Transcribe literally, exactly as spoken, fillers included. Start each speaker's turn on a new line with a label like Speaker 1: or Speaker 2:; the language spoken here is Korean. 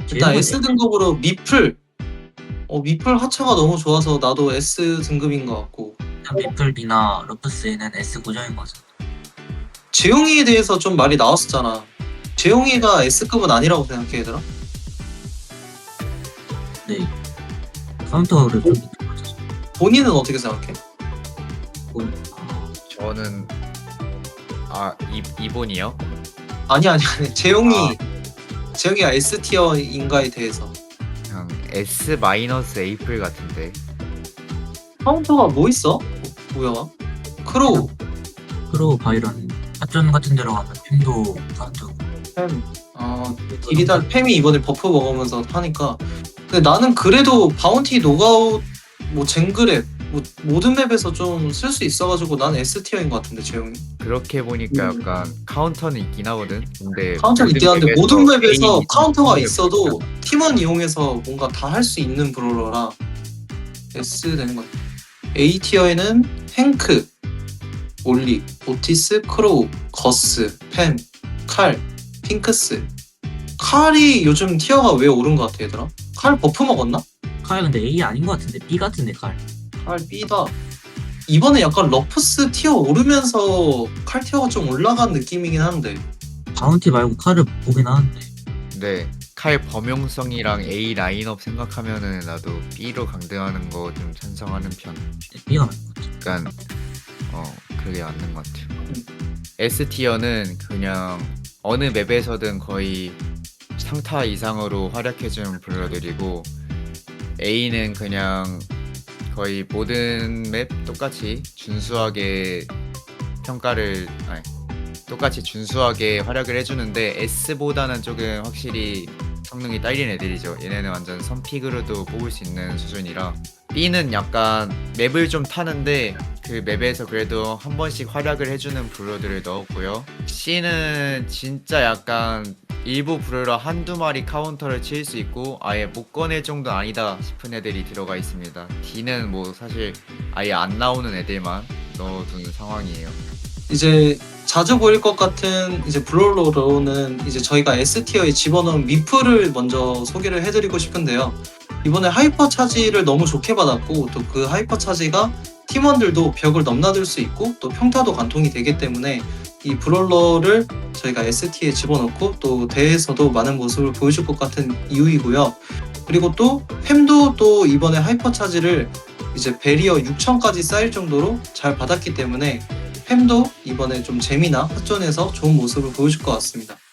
Speaker 1: 일단
Speaker 2: 제형은
Speaker 1: S 등급으로 미플. 어 미플 하차가 너무 좋아서 나도 S 등급인 것 같고.
Speaker 2: 미플이나 러프스에는 S 고정인 거죠.
Speaker 1: 재용이에 대해서 좀 말이 나왔었잖아. 재용이가 S급은 아니라고 생각해 얘들아?
Speaker 2: 네. 카운터를 좀 밑에 맞춰서.
Speaker 1: 본인은 어떻게 생각해?
Speaker 3: 저는 아 이, 이본이요?
Speaker 1: 아니 아니 아니 재용이 재용이가 S 티어인가에 대해서.
Speaker 3: 그냥 S 마이너스 에이플 같은데.
Speaker 1: 카운터가 뭐 있어? 뭐야? 크로우,
Speaker 2: 크로우 바이런 합전 같은 데로 가면 핀도 카운터.
Speaker 1: 팸. 아 딜이다 팸이 이번에 버프 먹으면서 하니까. 근데 나는 그래도 바운티 노가웃 뭐 쟁그랩 뭐 모든 맵에서 좀 쓸 수 있어가지고 난 S 티어인 것 같은데 재용이.
Speaker 3: 그렇게 보니까
Speaker 1: 음.
Speaker 3: 약간 카운터는 있긴 하거든. 근데
Speaker 1: 카운터는 있긴 한데
Speaker 3: 맵에서
Speaker 1: 모든 맵에서
Speaker 3: A
Speaker 1: 카운터가
Speaker 3: 맵
Speaker 1: 있어도 팀원 이용해서 뭔가 다 할 수 있는 브롤러라 S 되는 것 같아. A 티어에는 행크, 올리, 오티스, 크로우, 거스, 팸, 칼, 핑크스. 칼이 요즘 티어가 왜 오른 것 같아 얘들아? 칼 버프 먹었나?
Speaker 2: 칼 근데 A 아닌 것 같은데 B 같은데 칼.
Speaker 1: 칼 B다. 이번에 약간 러프스 티어 오르면서 칼 티어가 좀 올라간 느낌이긴 한데.
Speaker 2: 바운티 말고 칼을 보긴 하는데.
Speaker 3: 네. 칼 범용성이랑 A 라인업 생각하면은 나도 B로 강등하는 거 좀 찬성하는 편.
Speaker 2: B가 맞는 것 같아.
Speaker 3: 약간 어 그게 맞는 것 같아요. S 티어는 그냥 어느 맵에서든 거의 상타 이상으로 활약해주는 블러들이고, A는 그냥 거의 모든 맵 똑같이 준수하게 평가를 아니 똑같이 준수하게 활약을 해주는데 S보다는 조금 확실히 성능이 딸린 애들이죠. 얘네는 완전 선픽으로도 뽑을 수 있는 수준이라. B는 약간 맵을 좀 타는데 그 맵에서 그래도 한 번씩 활약을 해주는 브로들을 넣었고요. C는 진짜 약간 일부 브로러 한두 마리 카운터를 칠 수 있고 아예 못 꺼낼 정도 아니다 싶은 애들이 들어가 있습니다. D는 뭐 사실 아예 안 나오는 애들만 넣어둔 상황이에요.
Speaker 1: 이제 자주 보일 것 같은 이제 브롤러로는 이제 저희가 S 티어에 집어넣은 미프를 먼저 소개를 해드리고 싶은데요. 이번에 하이퍼 차지를 너무 좋게 받았고 또 그 하이퍼 차지가 팀원들도 벽을 넘나들 수 있고 또 평타도 관통이 되기 때문에 이 브롤러를 저희가 S 티어에 집어넣고 또 대회에서도 많은 모습을 보여줄 것 같은 이유이고요. 그리고 또 팸도 또 이번에 하이퍼 차지를 이제 베리어 육천까지 쌓일 정도로 잘 받았기 때문에 팸도 이번에 좀 재미나 헛전에서 좋은 모습을 보여줄 것 같습니다.